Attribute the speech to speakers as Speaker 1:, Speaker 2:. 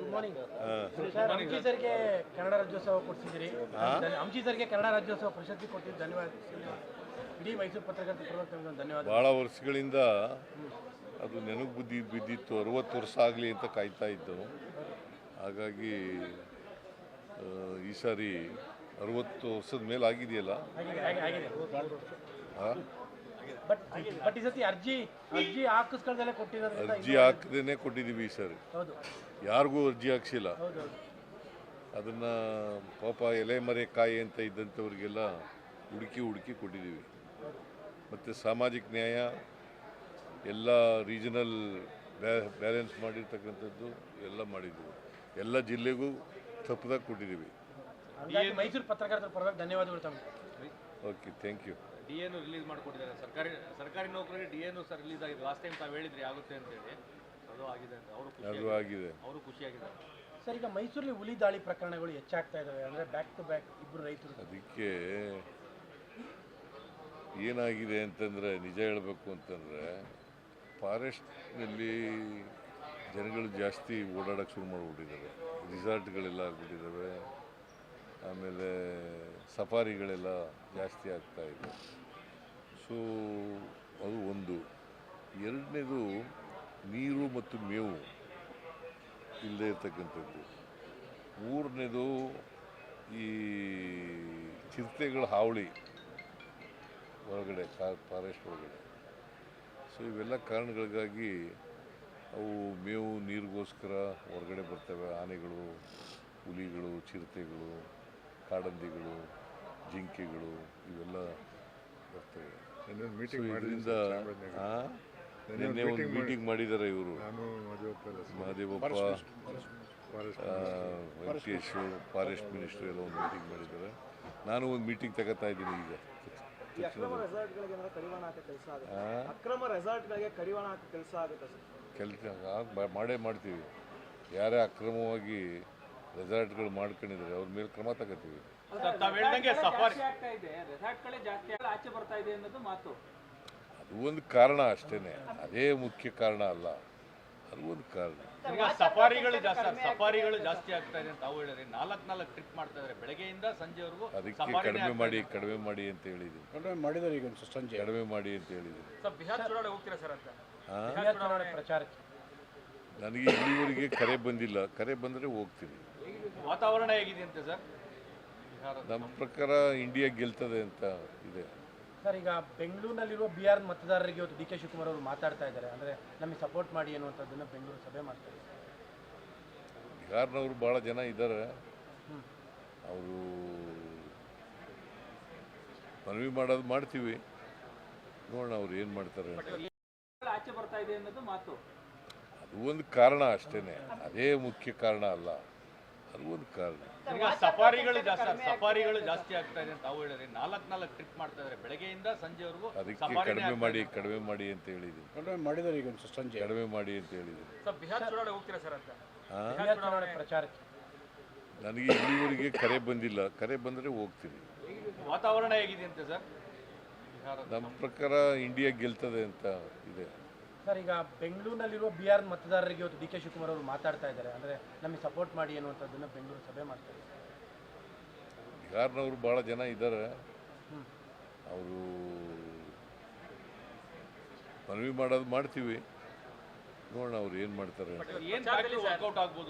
Speaker 1: Morning sir, ಅಂಚಿ ಸರ್ಗೆ ಕನ್ನಡ ರಾಜ್ಯೋತ್ಸವ ಕೊಡ್ತಿದ್ದೀರಿ. ಅಂಚಿ ಸರ್ಗೆ ಕನ್ನಡ ರಾಜ್ಯೋತ್ಸವ ಪ್ರಶಸ್ತಿ ಕೊಟ್ಟಿದ್ದು ಧನ್ಯವಾದ. ಇಡೀ ಮೈಸೂರು ಪತ್ರಕರ್ತರ ಪರವಾಗಿ ಧನ್ಯವಾದ.
Speaker 2: ಭಾಳ ವರ್ಷಗಳಿಂದ ಅದು ನೆನಪು ಬಿದ್ದಿತ್ತು. 60 ವರ್ಷ ಆಗಲಿ ಅಂತ ಕಾಯ್ತಾ ಇದ್ದು. ಹಾಗಾಗಿ ಈ ಸಾರಿ 60 ವರ್ಷದ ಮೇಲೆ ಆಗಿದೆಯಲ್ಲ.
Speaker 1: ಬಟ್ ಈ ಸತಿ ಅರ್ಜಿ ಹಾಕಿಸ್ಕೊಳ್ದಲ್ಲೇ ಕೊಟ್ಟಿರೋದ್ರಿಂದ
Speaker 2: ಅರ್ಜಿ ಹಾಕದೇನೆ ಕೊಟ್ಟಿದ್ದೀವಿ ಈ ಸಾರಿ. ಯಾರಿಗೂ ಅರ್ಜಿ ಹಾಕ್ಸಿಲ್ಲ. ಅದನ್ನು ಪಾಪ ಎಲೆ ಮರೆ ಕಾಯಿ ಅಂತ ಇದ್ದಂಥವ್ರಿಗೆಲ್ಲ ಹುಡುಕಿ ಕೊಟ್ಟಿದ್ದೀವಿ. ಮತ್ತು ಸಾಮಾಜಿಕ ನ್ಯಾಯ ಎಲ್ಲ ರೀಜನಲ್ ಬ್ಯಾಲೆನ್ಸ್ ಮಾಡಿರ್ತಕ್ಕಂಥದ್ದು ಎಲ್ಲ ಮಾಡಿದ್ದೀವಿ. ಎಲ್ಲ ಜಿಲ್ಲೆಗೂ ತಪ್ಪದಾಗ ಕೊಟ್ಟಿದ್ದೀವಿ.
Speaker 1: ಮೈಸೂರು ಪತ್ರಕರ್ತರ ಪರವಾಗಿ ಧನ್ಯವಾದಗಳು ತಮಗೆ.
Speaker 2: Okay, thank you.
Speaker 3: ಡಿಎನು ರಿಲೀಸ್ ಮಾಡಿಕೊಟ್ಟಿದ್ದಾರೆ. ಸರ್ಕಾರಿ ನೌಕರರಿಗೆ ಡಿಎನು ಸರ್ ರಿಲೀಸ್ ಆಗಿದೆ. ಲಾಸ್ಟ್ ಟೈಮ್ ತಾವು ಹೇಳಿದ್ರಿ ಆಗುತ್ತೆ ಅಂತೇಳಿ, ಅದು ಆಗಿದೆ ಅಂತ ಅವರು ಖುಷಿಯಾಗಿದ್ದಾರೆ.
Speaker 1: ಸರ್, ಈಗ ಮೈಸೂರಲ್ಲಿ ಹುಲಿ ದಾಳಿ ಪ್ರಕರಣಗಳು ಹೆಚ್ಚಾಗ್ತಾ ಇದ್ದಾವೆ. ಅಂದರೆ ಬ್ಯಾಕ್ ಟು ಬ್ಯಾಕ್ ಇಬ್ಬರು ರೈತರು.
Speaker 2: ಅದಕ್ಕೆ ಏನಾಗಿದೆ ಅಂತಂದರೆ, ನಿಜ ಹೇಳಬೇಕು ಅಂತಂದರೆ, ಫಾರೆಸ್ಟ್ನಲ್ಲಿ ಜನಗಳು ಜಾಸ್ತಿ ಓಡಾಡೋಕ್ಕೆ ಶುರು ಮಾಡಿಬಿಟ್ಟಿದ್ದಾರೆ. ರಿಸಾರ್ಟ್ಗಳೆಲ್ಲ ಆಗಿಬಿಟ್ಟಿದ್ದಾವೆ. ಆಮೇಲೆ ಸಫಾರಿಗಳೆಲ್ಲ ಜಾಸ್ತಿ ಆಗ್ತಾಯಿದೆ. ಸೊ ಅದು ಒಂದು. ಎರಡನೇದು, ನೀರು ಮತ್ತು ಮೇವು ಇಲ್ಲದೇ ಇರ್ತಕ್ಕಂಥದ್ದು. ಮೂರನೇದು, ಈ ಚಿರತೆಗಳ ಹಾವಳಿ ಹೊರಗಡೆ, ಫಾರೆಸ್ಟ್ ಒಳಗಡೆ. ಸೊ ಇವೆಲ್ಲ ಕಾರಣಗಳಿಗಾಗಿ ಅವು ಮೇವು ನೀರಿಗೋಸ್ಕರ ಹೊರಗಡೆ ಬರ್ತವೆ. ಆನೆಗಳು, ಹುಲಿಗಳು, ಚಿರತೆಗಳು, ಕಾಡಂದಿಗಳು, ಜಿಂಕೆಗಳು ಇವೆಲ್ಲ ಬರ್ತವೆ. ಇದರಿಂದ ನಿನ್ನೆ ಒಂದು ಮೀಟಿಂಗ್ ಮಾಡಿದ್ದಾರೆ ಇವರು, ಮಹದೇವಪ್ಪ, ವೆಂಕಟೇಶ್, ಫಾರೆಸ್ಟ್ ಮಿನಿಸ್ಟ್ರಿ ಎಲ್ಲ ಒಂದು ಮೀಟಿಂಗ್ ಮಾಡಿದ್ದಾರೆ. ನಾನು ಒಂದು ಮೀಟಿಂಗ್ ತಗೋತಾ ಇದ್ದೀನಿ ಈಗ. ಕೆಲಸ ಮಾಡೇ ಮಾಡ್ತೀವಿ. ಯಾರೇ ಅಕ್ರಮವಾಗಿ ರೆಸಾರ್ಟ್ಗಳು ಮಾಡ್ಕೊಂಡಿದ್ದಾರೆ ಅವ್ರ ಮೇಲೆ ಕ್ರಮ ತಗೋತೀವಿ. ಅದು ಒಂದು ಕಾರಣ ಅಷ್ಟೇ, ಅದೇ ಮುಖ್ಯ ಕಾರಣ ಅಲ್ಲ. ಅದು ಒಂದು ಕಾರಣ.
Speaker 3: ಸಫಾರಿಗಳು ಜಾಸ್ತಿ ಆಗ್ತಾ ಇದೆ ಅಂತ ತಾವು ಹೇಳಿದ್ರೆ 4 ಟ್ರಿಪ್ ಮಾಡ್ತಾ ಇದ್ದಾರೆ ಬೆಳಗ್ಗೆಯಿಂದ ಸಂಜೆವರೆಗೂ.
Speaker 2: ಅದಕ್ಕೆ ಕಡಿಮೆ ಮಾಡಿ ಅಂತ ಹೇಳಿದ್ದೀನಿ. ಕಡಿಮೆ ಮಾಡಿ ಅಂತ ಹೇಳಿದ್ದೀನಿ.
Speaker 3: ಬಿಹಾರ್ ಚುನಾವಣೆ ಹೋಗ್ತೀರಾ ಸರ್ ಅಂತ?
Speaker 1: ಪ್ರಚಾರಕ್ಕೆ
Speaker 2: ನನಗೆ ಇಲ್ಲಿವರೆಗೆ ಕರೆ ಬಂದಿಲ್ಲ. ಕರೆ ಬಂದರೆ ಹೋಗ್ತೀನಿ.
Speaker 3: ವಾತಾವರಣ ಹೇಗಿದೆ ಅಂತ ಸರ್?
Speaker 2: ನಮ್ಮ ಪ್ರಕಾರ ಇಂಡಿಯಾ ಗೆಲ್ತದೆ ಅಂತ ಇದೆ
Speaker 1: ಸರ್. ಈಗ ಬೆಂಗಳೂರಿನಲ್ಲಿರುವ ಬಿಹಾರ್ ಮತದಾರರಿಗೆ ಇವತ್ತು ಡಿ ಕೆ ಶಿವಕುಮಾರ್ ಅವರು ಮಾತಾಡ್ತಾ ಇದ್ದಾರೆ. ಅಂದರೆ ನಮಗೆ ಸಪೋರ್ಟ್ ಮಾಡಿ ಅನ್ನುವಂಥದ್ದನ್ನು ಬೆಂಗಳೂರು ಸಭೆ ಮಾಡ್ತಾರೆ.
Speaker 2: ಬಿಹಾರ್ನವರು ಭಾಳ ಜನ ಇದ್ದಾರೆ. ಅವರು ಮನವಿ ಮಾಡೋದು ಮಾಡ್ತೀವಿ, ನೋಡೋಣ ಅವ್ರು ಏನು ಮಾಡ್ತಾರೆ. ಅದು ಒಂದು ಕಾರಣ ಅಷ್ಟೇ, ಅದೇ ಮುಖ್ಯ ಕಾರಣ ಅಲ್ಲ. ಅದು ಒಂದು ಕಾರಣ.
Speaker 3: ಸಫಾರಿಗಳು ಜಾಸ್ತಿ ಆಗ್ತಾ ಇದೆ ಅಂತ ತಾವು ಹೇಳಿದ್ರೆ 4 ಟ್ರಿಪ್ ಮಾಡ್ತಾ ಇದ್ದಾರೆ ಬೆಳಗ್ಗೆಯಿಂದ ಸಂಜೆವರೆಗೂ.
Speaker 2: ಅದಕ್ಕೆ ಕಡಿಮೆ ಮಾಡಿ ಅಂತ ಹೇಳಿದ್ದೀನಿ. ಕಡಿಮೆ ಮಾಡಿ ಅಂತ ಹೇಳಿದ್ದೀನಿ.
Speaker 3: ಬಿಹಾರ್ ಚುನಾವಣೆ ಹೋಗ್ತೀರಾ ಸರ್ ಅಂತ?
Speaker 1: ಪ್ರಚಾರಕ್ಕೆ
Speaker 2: ನನಗೆ ಇಲ್ಲಿವರೆಗೆ ಕರೆ ಬಂದಿಲ್ಲ. ಕರೆ ಬಂದರೆ ಹೋಗ್ತೀನಿ.
Speaker 3: ವಾತಾವರಣ ಹೇಗಿದೆ ಅಂತ ಸರ್?
Speaker 2: ನಮ್ಮ ಪ್ರಕಾರ ಇಂಡಿಯಾ ಗೆಲ್ತದೆ ಅಂತ ಇದೆ
Speaker 1: ಸರ್. ಈಗ ಬೆಂಗಳೂರಿನಲ್ಲಿರುವ ಬಿಹಾರ್ ಮತದಾರರಿಗೆ ಇವತ್ತು ಡಿ ಕೆ ಶಿವಕುಮಾರ್ ಅವರು ಮಾತಾಡ್ತಾ ಇದ್ದಾರೆ. ಅಂದರೆ ನಮಗೆ ಸಪೋರ್ಟ್ ಮಾಡಿ ಅನ್ನುವಂಥದ್ದನ್ನು ಬೆಂಗಳೂರು ಸಭೆ ಮಾಡ್ತಾರೆ.
Speaker 2: ಬಿಹಾರ್ನವರು ಭಾಳ ಜನ ಇದ್ದಾರೆ. ಅವರು ಮನವಿ ಮಾಡೋದು ಮಾಡ್ತೀವಿ, ನೋಡೋಣ ಅವ್ರು ಏನು ಮಾಡ್ತಾರೆ.
Speaker 3: ವರ್ಕೌಟ್ ಆಗ್ಬೋದು.